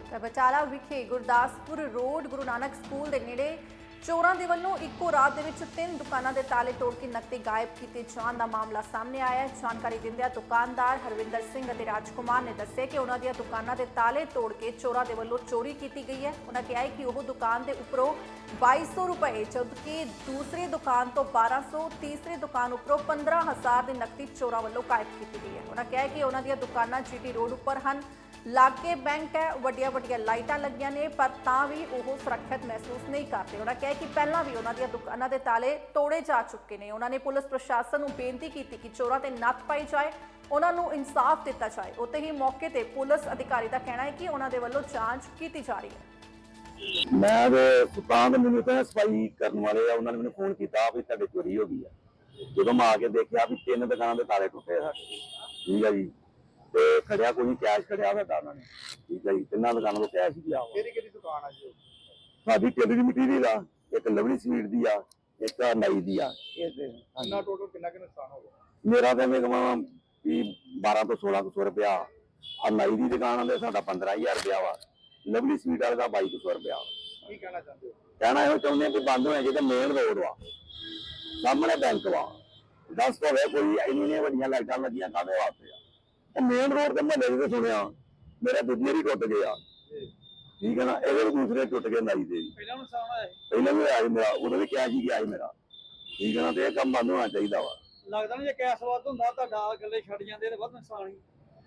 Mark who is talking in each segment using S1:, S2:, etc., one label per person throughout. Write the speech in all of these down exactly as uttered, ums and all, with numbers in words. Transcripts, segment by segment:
S1: ਬਚਾਲਾ ਵਿਖੇ Gurdaspur road Guru Nanak school ਦੇ ਨੇੜੇ ਚੋਰਾਂ ਦੇ ਵੱਲੋਂ ਇੱਕੋ ਰਾਤ ਦੇ ਵਿੱਚ ਤਿੰਨ ਦੁਕਾਨਾਂ ਦੇ ਤਾਲੇ ਤੋੜ ਕੇ ਨਕਦੀ ਗਾਇਬ ਕੀਤੇ ਜਾਣ ਦਾ ਮਾਮਲਾ ਸਾਹਮਣੇ ਆਇਆ ਹੈ। ਜਾਣਕਾਰੀ ਦਿੰਦਿਆਂ ਦੁਕਾਨਦਾਰ ਹਰਵਿੰਦਰ ਸਿੰਘ ਅਤੇ ਰਾਜਕੁਮਾਰ ਨੇ ਦੱਸਿਆ ਕਿ ਉਹਨਾਂ ਦੀਆਂ ਦੁਕਾਨਾਂ ਦੇ ਤਾਲੇ ਤੋੜ ਕੇ ਚੋਰਾਂ ਦੇ ਵੱਲੋਂ ਚੋਰੀ ਕੀਤੀ ਗਈ ਹੈ। ਉਹਨਾਂ ਕਿਹਾ ਹੈ ਕਿ ਉਹ ਦੁਕਾਨ ਦੇ ਉੱਪਰੋਂ ਬਾਈ ਸੌ ਰੁਪਏ ਜਦਕਿ ਦੂਸਰੀ ਦੁਕਾਨ ਤੋਂ ਬਾਰਾਂ ਸੌ, ਤੀਸਰੀ ਦੁਕਾਨ ਉੱਪਰੋਂ ਪੰਦਰਾਂ ਹਜ਼ਾਰ ਦੀ ਨਕਦੀ ਚੋਰਾਂ ਵੱਲੋਂ ਗਾਇਬ ਕੀਤੀ ਗਈ ਹੈ। ਉਹਨਾਂ ਕਿਹਾ ਹੈ ਕਿ ਉਹਨਾਂ ਦੀਆਂ ਦੁਕਾਨਾਂ ਜੀਟੀ ਰੋਡ ਉੱਪਰ ਹਨ, ਲਾਗੇ ਬੈਂਕ ਹੈ, ਵੱਡੀਆਂ ਵੱਡੀਆਂ ਲਾਈਟਾਂ ਲੱਗੀਆਂ ਨੇ, ਪਰ ਤਾਂ ਵੀ ਉਹ ਸੁਰੱਖਿਅਤ ਮਹਿਸੂਸ ਨਹੀਂ ਕਰਦੇ। ਉਹਨਾਂ ਕਿਹਾ ਕਿ ਪਹਿਲਾਂ ਵੀ ਉਹਨਾਂ ਦੀਆਂ ਦੁਕਾਨਾਂ ਦੇ ਤਾਲੇ ਤੋੜੇ ਜਾ ਚੁੱਕੇ ਨੇ। ਉਹਨਾਂ ਨੇ ਪੁਲਿਸ ਪ੍ਰਸ਼ਾਸਨ ਨੂੰ ਬੇਨਤੀ ਕੀਤੀ ਕਿ ਚੋਰਾਂ ਤੇ ਨੱਥ ਪਾਈ ਜਾਏ, ਉਹਨਾਂ ਨੂੰ ਇਨਸਾਫ ਦਿੱਤਾ ਜਾਏ। ਉੱਥੇ ਹੀ ਮੌਕੇ ਤੇ ਪੁਲਿਸ ਅਧਿਕਾਰੀ ਦਾ ਕਹਿਣਾ ਹੈ ਕਿ ਉਹਨਾਂ ਦੇ ਵੱਲੋਂ ਜਾਂਚ ਕੀਤੀ ਜਾ ਰਹੀ ਹੈ।
S2: ਮੈਂ ਤੇ ਦੁਕਾਨ ਦੇ ਮੈਨੂੰ ਤਾਂ ਸਫਾਈ ਕਰਨ ਵਾਲੇ ਆ, ਉਹਨਾਂ ਨੇ ਮੈਨੂੰ ਫੋਨ ਕੀਤਾ ਵੀ ਤੁਹਾਡੇ ਚੋਰੀ ਹੋ ਗਈ ਆ। ਜਦੋਂ ਮੈਂ ਆ ਕੇ ਦੇਖਿਆ ਵੀ ਤਿੰਨ ਦੁਕਾਨਾਂ ਦੇ ਤਾਲੇ ਟੁੱਟੇ ਆ। ਠੀਕ ਹੈ ਜੀ, ਤੇ ਖੜਿਆ ਕੋਈ ਕੈਸ਼ ਖੜਿਆ ਹੋਇਆ ਉਹਨਾਂ ਨੇ। ਠੀਕ ਹੈ ਜੀ, ਤਿੰਨਾਂ ਦੁਕਾਨਾਂ ਤੋਂ ਕੈਸ਼ ਹੀ ਲਿਆ।
S3: ਕਿਹੜੀ ਕਿਹੜੀ ਦੁਕਾਨ ਆ ਜੀ?
S2: ਸਾਡੀ ਟੇਲਰ ਦੀ ਮਟੀਰੀਅਲ ਆ, ਇੱਕ ਲਵਲੀ ਸਵੀਟ ਦੀ ਆ, ਇੱਕ ਨਾਈ ਦੀ ਆ। ਇਹ ਤੇ
S3: ਕਿੰਨਾ ਟੋਟਲ ਕਿੰਨਾ ਕਿ ਨੁਕਸਾਨ ਹੋ ਗਿਆ?
S2: ਮੇਰਾ ਤਾਂ ਮੈਂ ਕਹਾਂ ਵੀ ਬਾਰਾਂ ਤੋਂ ਸੋਲਾਂ ਸੌ ਰੁਪਇਆ ਆ। ਨਾਈ ਦੀ ਦੁਕਾਨ ਦੇ ਸਾਡਾ ਪੰਦਰਾਂ ਹਜ਼ਾਰ ਰੁਪਇਆ ਵਾ, ਲਵਲੀ ਸਵੀਟ ਵਾਲੇ ਦਾ ਬਾਈ ਸੌ ਰੁਪਇਆ।
S3: ਕੀ ਕਹਿਣਾ ਚਾਹੁੰਦੇ ਹੋ?
S2: ਕਹਿਣਾ ਇਹੋ ਚਾਹੁੰਦੇ ਆ ਕਿ ਬੰਦ ਹੋਣਾ ਚਾਹੀਦਾ। ਮੇਨ ਰੋਡ ਵਾ, ਸਾਹਮਣੇ ਬੈਂਕ ਵਾ, ਦੱਸ ਹੋਵੇ ਕੋਈ ਇੰਨੀਆਂ ਵੱਡੀਆਂ ਲਾਈਟਾਂ ਲੱਗੀਆਂ ਕਾਹਦੇ ਵਾਸਤੇ ਆ? ਉਹ ਮੇਨ ਰੋਡ ਤੇ ਮਹੱਲੇ ਦੇ ਸੁਣਿਆ ਮੇਰੇ ਦੂਜੇ ਹੀ ਟੁੱਟ ਗਏ ਆ। ਠੀਕ ਹੈ ਨਾ, ਇਹਦੇ ਵੀ ਦੂਸਰੇ ਟੁੱਟ ਗਏ ਨਾਈ ਦੇ।
S3: ਪਹਿਲਾਂ ਨੁਕਸਾਨ ਹੋਇਆ ਸੀ?
S2: ਪਹਿਲਾਂ ਵੀ ਆਇਆ ਮੇਰਾ, ਉਦੋਂ ਵੀ ਕੈਸ਼ ਹੀ ਗਿਆ ਸੀ ਮੇਰਾ। ਠੀਕ ਹੈ ਨਾ, ਤੇ ਇਹ ਕੰਮ ਬੰਦ ਹੋਣਾ ਚਾਹੀਦਾ ਵਾ।
S3: ਲੱਗਦਾ ਨਹੀਂ ਜੇ ਕੈਸ਼ ਵੱਧ ਹੁੰਦਾ ਤੁਹਾਡਾ ਗੱਲੇ ਛੱਡ ਜਾਂਦੇ ਤੇ ਵੱਧ ਨੁਕਸਾਨ ਹੀ।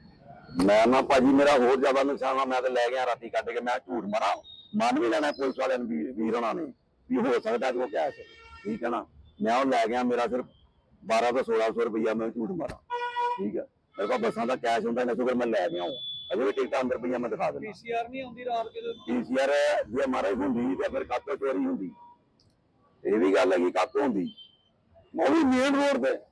S2: ਮੈਂ ਨਾ ਭਾਜੀ ਮੇਰਾ ਹੋਰ ਜ਼ਿਆਦਾ ਨੁਕਸਾਨ ਆ। ਮੈਂ ਤੇ ਲੈ ਗਿਆ ਰਾਤੀ ਕੱਢ ਕੇ, ਮੈਂ ਝੂਠ ਮਾਰਾਂ ਮੰਨ ਵੀ ਲੈਣਾ ਪੁਲਿਸ ਵਾਲਿਆਂ ਨੂੰ ਵੀ ਵੀਰ ਹੋਣਾ ਨੇ ਵੀ ਹੋ ਸਕਦਾ ਕਿ ਉਹ ਕੈਸ਼। ਠੀਕ ਹੈ ਨਾ, ਮੈਂ ਉਹ ਲੈ ਗਿਆ, ਮੇਰਾ ਸਿਰਫ ਬਾਰਾਂ ਤੋਂ ਸੋਲਾਂ ਸੌ ਰੁਪਈਆ ਮੈਂ ਝੂਠ ਮਾਰਾਂ। ਠੀਕ ਹੈ, ਮੇਰੇ ਕੋਲ ਬੱਸਾਂ ਦਾ ਕੈਸ਼ ਹੁੰਦਾ ਨਾ, ਸ਼ੁਕਰ ਮੈਂ ਲੈ ਗਿਆ। ਅਜੇ ਵੀ ਟਿਕਟਾਂ ਅੰਦਰ ਪਈਆਂ, ਮੈਂ ਦਿਖਾ ਦਿੰਦਾ।
S3: ਪੀਸੀਆਰ ਨਹੀਂ ਆਉਂਦੀ ਰਾਤ ਕਿਤੇ?
S2: ਪੀਸੀਆਰ ਜੇ ਮਹਾਰਾਜ ਹੁੰਦੀ ਤੇ ਫਿਰ ਕਾਤੋਂ ਚੋਰੀ ਹੁੰਦੀ? ਇਹ ਵੀ ਗੱਲ ਹੈਗੀ, ਕਾਤੋਂ ਹੁੰਦੀ? ਉਹ ਵੀ ਮੇਨ ਰੋਡ ਤੇ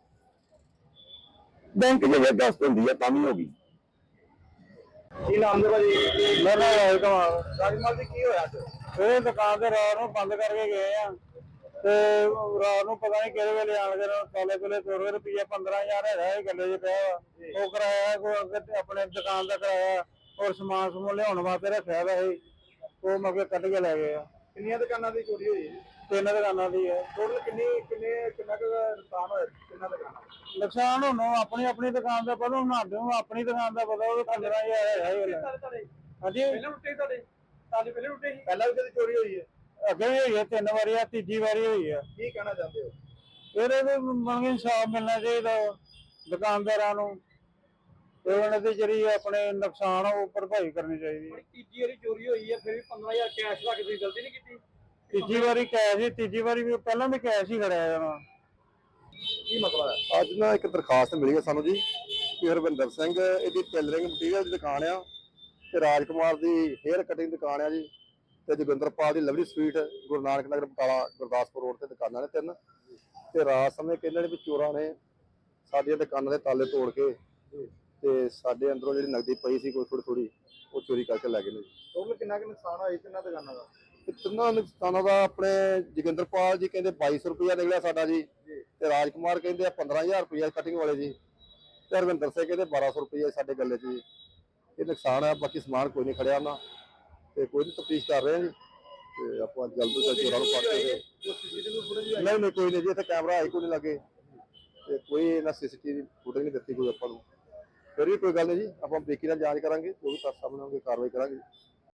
S2: ਬੈਂਕ ਜੇ ਦਸਤ ਹੁੰਦੀ ਹੈ ਤਾਂ ਵੀ ਹੋ ਗਈ।
S3: ਕੀ ਨਾਮ ਦੇ ਭਾਜੀ?
S4: ਮੇਰਾ ਨਾਮ ਰਾਜਕੁਮਾਰ।
S3: ਰਾਜਮਾਲ ਜੀ ਕੀ ਹੋਇਆ ਅੱਜ?
S4: ਇਹ ਦੁਕਾਨ ਤੇ ਰਾਤ ਨੂੰ ਬੰਦ ਕਰਕੇ ਗਏ ਆ ਤੇ ਰਾਤ ਨੂੰ ਪਤਾ ਨਹੀਂ ਕਿਹੜੇ ਵੇਲੇ ਆਣ ਕੇ ਤਾਲੇ ਤੁਲੇ ਤੋੜ ਕੇ ਰੁਪਈਆ ਪੰਦਰਾਂ ਹਜ਼ਾਰ ਹੈਗਾ ਇਹ ਗੱਲੇ 'ਚ ਪਿਆ ਵਾ। ਉਹ ਕਰਾਇਆ ਕੋਈ ਅੱਗੇ ਆਪਣੇ ਦੁਕਾਨ ਦਾ ਕਰਾਇਆ ਔਰ ਸਮਾਨ ਸਮੂਨ ਲਿਆਉਣ ਵਾਸਤੇ ਰੱਖਿਆ ਵਾ ਇਹ, ਉਹ ਮੌਕੇ ਕੱਢ ਕੇ ਲੈ ਗਏ ਆ।
S3: ਕਿੰਨੀਆਂ ਦੁਕਾਨਾਂ ਦੀ ਚੋਰੀ ਹੋਈ?
S4: ਤਿੰਨ ਦੁਕਾਨਾਂ ਦੀ ਹੈ।
S3: ਟੋਟਲ ਕਿੰਨੀ ਕਿੰਨੇ ਕਿੰਨਾ ਕੁ ਨੁਕਸਾਨ ਹੋਇਆ ਕਿੰਨਾ ਦੁਕਾਨਾਂ?
S4: ਨੁਕਸਾਨ ਹੁਣ ਆਪਣੀ ਆਪਣੀ ਦੁਕਾਨ ਦਾ ਪਤਾ, ਹੁਣ ਸਾਨੂੰ ਆਪਣੀ ਦੁਕਾਨ ਦਾ ਪਤਾ, ਉਹ ਪੰਦਰਾਂ ਹਜ਼ਾਰ ਹੈਗਾ ਇਹ ਵੇਲੇ। ਹਾਂਜੀ,
S3: ਪਹਿਲਾਂ ਟੁੱਟੇ ਤੁਹਾਡੇ ਤਾਲੇ? ਪਹਿਲਾਂ ਟੁੱਟੇ ਸੀ? ਪਹਿਲਾਂ ਵੀ ਕਦੇ ਚੋਰੀ ਹੋਈ ਹੈ?
S4: ਅੱਗੇ ਵੀ ਹੋਈ ਹੈ, ਤਿੰਨ ਵਾਰੀ ਆ, ਤੀਜੀ ਵਾਰੀ ਹੋਈ ਆ।
S3: ਕੀ ਕਹਿਣਾ ਚਾਹੁੰਦੇ ਹੋ?
S4: ਇਹਦੇ ਵੀ ਮੰਗੇ ਇਨਸਾਫ ਮਿਲਣਾ ਚਾਹੀਦਾ ਦੁਕਾਨਦਾਰਾਂ ਨੂੰ, ਤੇ ਉਹਨਾਂ ਦੀ ਜਿਹੜੀ ਆਪਣੇ ਨੁਕਸਾਨ ਆ ਉਹ ਭਰਪਾਈ ਕਰਨੀ ਚਾਹੀਦੀ ਹੈ।
S3: ਤੀਜੀ ਵਾਰੀ ਚੋਰੀ ਹੋਈ ਹੈ, ਫਿਰ ਵੀ ਪੰਦਰਾਂ ਹਜ਼ਾਰ ਕੈਸ਼ ਰੱਖ ਕੇ ਤੁਸੀਂ ਗਲਤੀ ਨਹੀਂ ਕੀਤੀ?
S4: ਤੀਜੀ ਵਾਰੀ ਕੈਸ਼ ਹੀ, ਤੀਜੀ ਵਾਰੀ ਵੀ ਪਹਿਲਾਂ ਵੀ ਕੈਸ਼ ਹੀ ਖੜਿਆ ਜਾਣਾ।
S3: ਕੀ ਮਸਲਾ ਹੈ?
S5: ਅੱਜ ਨਾ ਇੱਕ ਦਰਖਾਸਤ ਮਿਲੀ ਹੈ ਸਾਨੂੰ ਜੀ ਕਿ ਹਰਵਿੰਦਰ ਸਿੰਘ ਇਹਦੀ ਟੇਲਰਿੰਗ ਮਟੀਰੀਅਲ ਦੀ ਦੁਕਾਨ ਆ, ਤੇ ਰਾਜਕੁਮਾਰ ਦੀ ਹੇਅਰ ਕਟਿੰਗ ਦੁਕਾਨ ਆ ਜੀ, ਤੇ ਜੋਗਿੰਦਰਪਾਲ ਦੀ ਲਵਲੀ ਸਵੀਟ ਗੁਰੂ ਨਾਨਕ ਨਗਰ ਬਟਾਲਾ ਗੁਰਦਾਸਪੁਰ ਰੋਡ ਤੇ ਦੁਕਾਨਾਂ ਨੇ ਤਿੰਨ। ਤੇ ਰਾਤ ਸਮੇਂ ਕਹਿੰਦੇ ਨੇ ਵੀ ਚੋਰਾਂ ਨੇ ਸਾਡੀਆਂ ਦੁਕਾਨਾਂ ਦੇ ਤਾਲੇ ਤੋੜ ਕੇ ਤੇ ਸਾਡੇ ਅੰਦਰੋਂ ਜਿਹੜੀ ਨਕਦੀ ਪਈ ਸੀ ਕੋਈ ਥੋੜੀ ਥੋੜੀ ਉਹ ਚੋਰੀ ਕਰਕੇ ਲੈ ਗਏ ਨੇ ਜੀ।
S3: ਟੋਟਲ ਕਿੰਨਾ ਕੁ ਨੁਕਸਾਨ ਹੋਇਆ ਤਿੰਨਾਂ ਦੁਕਾਨਾਂ ਦਾ?
S5: ਤੇ ਤਿੰਨਾਂ ਨੁਕਸਾਨਾਂ ਦਾ ਆਪਣੇ ਜੋਗਿੰਦਰਪਾਲ ਜੀ ਕਹਿੰਦੇ ਬਾਈ ਸੌ ਰੁਪਇਆ ਨਿਕਲਿਆ ਸਾਡਾ ਜੀ, ਤੇ ਰਾਜਕੁਮਾਰ ਕਹਿੰਦੇ ਆ ਪੰਦਰਾਂ ਹਜ਼ਾਰ ਰੁਪਇਆ ਕਟਿੰਗ ਵਾਲੇ ਜੀ, ਤੇ ਹਰਵਿੰਦਰ ਸਿੰਘ ਕਹਿੰਦੇ ਬਾਰਾਂ ਸੌ ਰੁਪਇਆ ਸਾਡੇ ਗੱਲੇ 'ਚ ਜੀ। ਇਹ ਨੁਕਸਾਨ ਆ, ਬਾਕੀ ਸਮਾਨ ਕੋਈ ਨਹੀਂ ਖੜਿਆ ਉਹਨਾਂ, ਤੇ ਕੋਈ ਨਹੀਂ ਤਫਤੀਸ਼ ਕਰ ਰਹੇ ਆ ਜੀ, ਤੇ ਆਪਾਂ ਜਲਦ ਤੋਂ ਜਲਦ ਚੋਰਾਂ ਨੂੰ ਫੜ ਕੇ। ਨਹੀਂ ਨਹੀਂ ਕੋਈ ਨਹੀਂ ਜੀ, ਇੱਥੇ ਕੈਮਰਾ ਹੈ ਕੋਈ ਨਹੀਂ ਲੱਗੇ, ਤੇ ਕੋਈ ਇਹਨਾਂ ਸੀਸੀਟੀਵੀ ਫੁਟੇਜ ਨਹੀਂ ਦਿੱਤੀ ਕੋਈ ਆਪਾਂ ਨੂੰ। ਫਿਰ ਵੀ ਕੋਈ ਗੱਲ ਨਹੀਂ ਜੀ, ਆਪਾਂ ਬਰੀਕੀ ਨਾਲ ਜਾਂਚ ਕਰਾਂਗੇ, ਜੋ ਵੀ ਤੱਥ ਸਾਹਮਣੇ ਆਉਣਗੇ ਕਾਰਵਾਈ ਕਰਾਂਗੇ।